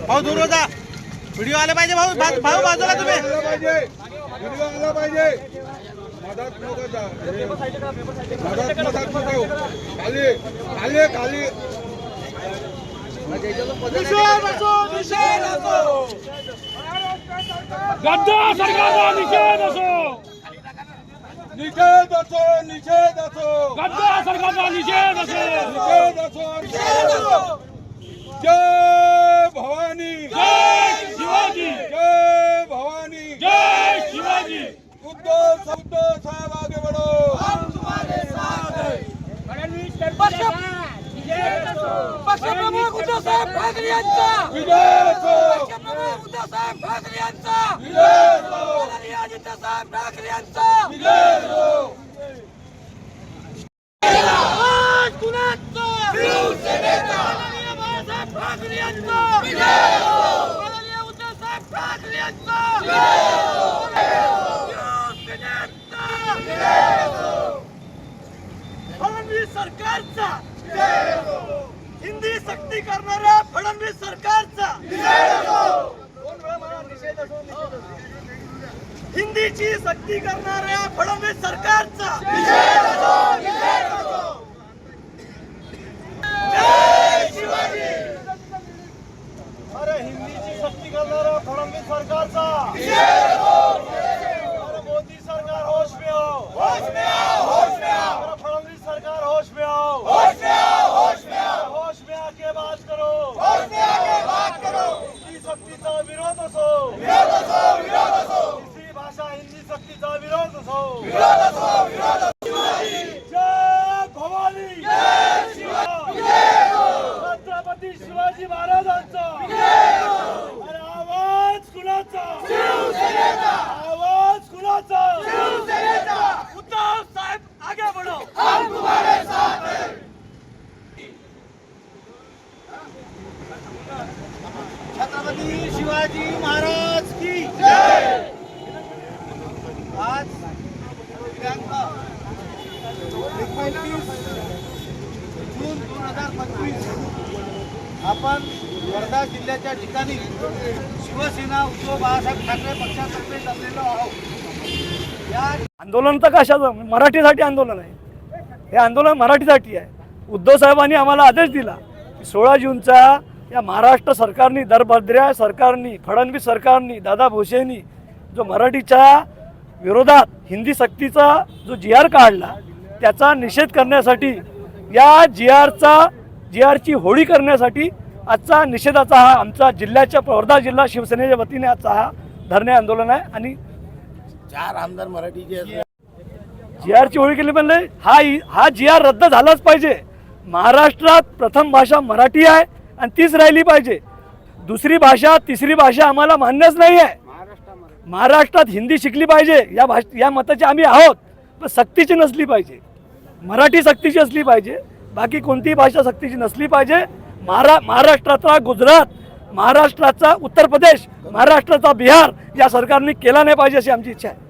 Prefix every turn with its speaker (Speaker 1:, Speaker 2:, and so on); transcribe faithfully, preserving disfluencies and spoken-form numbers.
Speaker 1: भाऊ दूर जा, व्हिडिओ आले पाहिजे भाऊ, भाऊ बाजूला तुम्ही
Speaker 2: व्हिडिओ आला पाहिजे। मदत नको जा, मदत मदत नको, खाली खाली खाली
Speaker 1: निषेध असो, निषेध असो,
Speaker 3: गद्दार सरकारचा निषेध असो,
Speaker 2: निषेध असो, निषेध असो,
Speaker 3: गद्दार सरकारचा निषेध असो,
Speaker 2: निषेध असो, निषेध असो। जय भवानी,
Speaker 3: जय शिवाजी,
Speaker 2: जय भवानी,
Speaker 3: जय शिवाजी।
Speaker 2: उद्धव उद्धव साहेब आगे बढ़ो,
Speaker 1: हम तुम्हारे साथ हैं।
Speaker 4: पक्षप्रमुख उद्धव साहेब ठाकरे यांचा
Speaker 2: विजय असो,
Speaker 4: पक्षप्रमुख उद्धव साहेब ठाकरे यांचा
Speaker 2: विजय असो,
Speaker 4: माननीय आदित्य साहेब ठाकरे यांचा
Speaker 2: विजय असो।
Speaker 4: आज कुणाचा शिवसेनेचा माननीय बाळासाहेब ठाकरे यांचा विजय असो, माननीय उद्धव साहेब ठाकरे यांचा विजय असो, शिवसेनेचा विजय असो, फडणवीस सरकारचा विजय असो, हिंदी सक्ती करणाऱ्या फडणवीस सरकारचा विजय असो, हिंदीची सक्ती करणाऱ्या फडणवीस सरकारचा विजय असो, विजय असो। जय शिवाजी।
Speaker 1: अरे हिंदीची सक्ती करणाऱ्या फडणवीस सरकारचा
Speaker 4: विजय असो,
Speaker 1: अरे मोदी सरकार होश में आओ,
Speaker 4: होश में आओ, होश में आओ,
Speaker 1: अरे फडणवीस सरकार होश में आओ,
Speaker 4: होश में आओ, होश में आओ,
Speaker 1: होश में आके बात करो,
Speaker 4: होश में आके बात करो।
Speaker 1: हिंदी सक्तीचा विरोध असो,
Speaker 4: विरोध असो, विरोध असो,
Speaker 1: हिंदी भाषा हिंदी सक्तीचा विरोध असो,
Speaker 4: विरोध असो, विरोध असो।
Speaker 1: जय भवानी,
Speaker 4: जय शिवाजी, विजय असो,
Speaker 1: छत्रपती शिवाजी महाराजांचा
Speaker 4: विजय असो,
Speaker 1: अरे आवाज कुणाचा,
Speaker 4: शिवसेनेचा,
Speaker 1: आवाज कुणाचा,
Speaker 4: शिवसेनेचा।
Speaker 1: उद्धव साहेब आगे बढ़ो,
Speaker 4: हम तुम्हारे साथ हैं।
Speaker 1: छत्रपती शिवाजी महाराज की
Speaker 4: जय।
Speaker 1: आज दिनांक एकोणतीस जून दोन हजार पंचवीस आपण वर्धा जिल्ह्याच्या ठिकाणी शिवसेना उद्धव बाळासाहेब ठाकरे पक्षातर्फे जमलेलो आहोत। या
Speaker 3: आंदोलन तर कशाचं, मराठीसाठी आंदोलन आहे। हे आंदोलन मराठीसाठी आहे। उद्धव साहेबांनी आम्हाला आदेश दिला की सोळा जूनचा या महाराष्ट्र सरकारनी, दरभद्र्या सरकारनी, फडणवीस सरकारनी, दादा भुसेंनी जो मराठीच्या विरोधात हिंदी सक्तीचा जो जी आर काढला त्याचा निषेध करण्यासाठी, या जी आरचा जी आरची होळी करण्यासाठी आजचा निषेधाचा हा आमचा जिल्ह्याच्या वर्धा जिल्हा शिवसेनेच्या वतीने आजचा हा धरणे आंदोलन आहे। आणि
Speaker 2: चार आमदार मराठीचे
Speaker 3: जी आरची होळी केली म्हणले हा हा जी आर रद्द झालाच पाहिजे। महाराष्ट्रात प्रथम भाषा मराठी आहे आणि तीच राहिली पाहिजे। दुसरी भाषा तिसरी भाषा आम्हाला मान्यच नाही आहे। महाराष्ट्रात हिंदी शिकली पाहिजे, या भाष या मताचे आम्ही आहोत, पण सक्तीची नसली पाहिजे। मराठी सक्तीची असली पाहिजे, बाकी कोणतीही भाषा सक्तीची नसली पाहिजे। महारा महाराष्ट्राचा गुजरात, महाराष्ट्राचा उत्तर प्रदेश, महाराष्ट्राचा बिहार या सरकारने केला नाही पाहिजे अशी आमची इच्छा आहे।